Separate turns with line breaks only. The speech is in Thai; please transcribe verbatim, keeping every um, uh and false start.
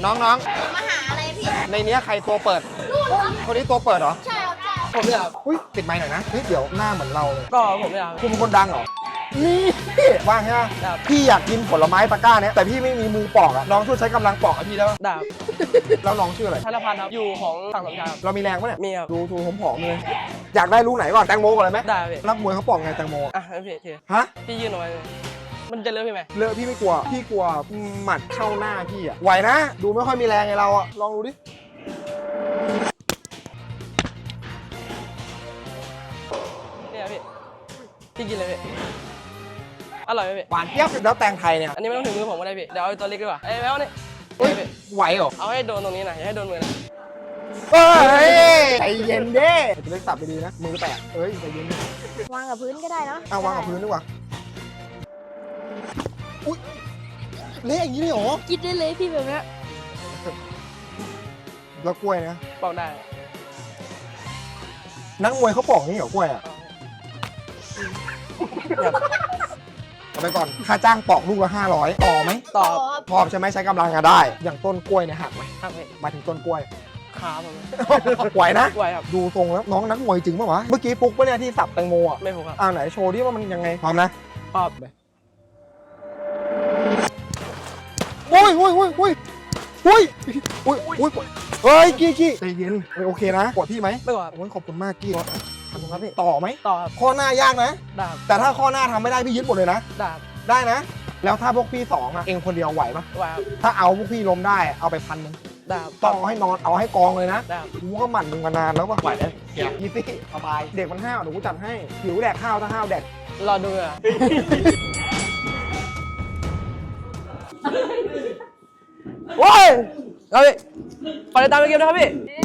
น้องน้อง
มาหาอะไรพี่
ในนี้ใครตัวเปิดคนนี้ตัวเปิดเหรอ
ใช่ครับใช่
ผมเนี่ยครับ
อุ้ยติดไมค์หน่อยนะเฮ้ยเดี๋ยวหน้าเหมือนเราเลย
ก็ผมเนี่ยครับ
คุณเป็นคนดังเหรอนี่ว่างใช่ไหม
ครับ
พี่อยากกินผลไม้ตะกร้าเนี้ยแต่พี่ไม่มีมือปอกอะน้องช่วยใช้กำลังปอกให้พี่ได้ปะ
ดาบ
แล้วน้องชื่ออะไร
ธนพันธ์ครับอยู่ของฝั่งสมชายครับ
เรามีแรงปะเนี่ย
มีครับ
ดูดูผมผอมๆเลยอยากได้ลูกไหนก่อนแตงโมก่อนเลยไหม
ได้พี่
นักมวยเขาปอกไงแตงโมอะ
อ่ะพี่พี่
ฮะ
พี่ยื่นเอาไว้เลยมันจะเลือกพี่ไหม
เลอะพี่ไม่กลัวพี่กลัวหมัดเข้าหน้าพี่อะไหวนะดูไม่ค่อยมีแรงไงเราอะลองดูดิ
เนี่ยพี่พี่กินเลยพี่อร่อยไหมพี่
หวานเจี๊ยบแล้วแตงไทยเนี่ย
อันนี้ไม่ต้องถึงมือผมก็ได้พี่เดี๋ยวเอาตัวเล็กดีกว่าเอ้ยแมวนี่
เฮ้ย
พี่
ไหวเหรอ
เอาให้โดนตรงนี้นะอย่าให้โดนมือนะ
เอ้ยใจเย็นเด้จะเล็กสับไปดีนะมือแตกเอ้ยใจเย็น
วางกับพื้นก็ได้เนาะ
เอาวางกับพื้นดีกว่าอุ้ยเละอย่างนี้เลยเหรอ
กินได้เลยพี่แบบเนี้ย
แล้วกล้วยนะ
ปอกได้
นักมวยเขาปอกนี่เหรอกล้วยอ่ะเอาไปก่อนค่าจ้างปอกลูกละห้าร้อยต่อไหม
ตอบ
พอใช่ไหมใช้กำลังอะได้ อย่างต้นกล้วยเนี่ยหักไหม
ครับพี่
หมายถึงต้นกล้วย
ขาผม
ไหวนะ
ไหวครับ
ดูทรงแล้วน้องนักมวยจริงปะวะเมื่อกี้ปุ๊กปะเนี่ยที่สับแตงโมอ่ะ
ไม่ผูกครับ
อ่าไหนโชว์ดิว่ามันยังไงพร้อมนะ
ปอบ
โอ้ยโอ้ยโอ้ยโอ้ยโอ้ยโอ้ยโอ้ยเฮ้ยกี้กี้ใจเย็นเฮ้ยโอเคนะกดพี่ไหม
ไม่กดครับ
โอ้ยขอบคุณมากกี้
ขอบคุณครับพี่
ต่อไหม
ต่อครับ
ข้อหน้ายากนะ
ดาบ
แต่ถ้าข้อหน้าทำไม่ได้พี่ยึดหมดเลยนะ
ดาบ
ได้นะ แล้วถ้าพวกพี่สองอะเองคนเดียวไหวปะ
ไหวครับ
ถ้าเอาพวกพี่ล้มได้เอาไปพันหนึง
ดาบ
ต้องเอาให้นอนเอาให้กองเลยนะ
ดาบ
กูก็หมั่นมึงมานานแล้วปะไหวเลยยี่สิสบายเด็กมันห้าวเดี๋ยวกูจัดให้หิวแดกข้าวถ้าห้าวแดก
รอดูอ่ะ
โอ้ย
ครับพี่ขอติดตามไปเกมนะครับพี่
เ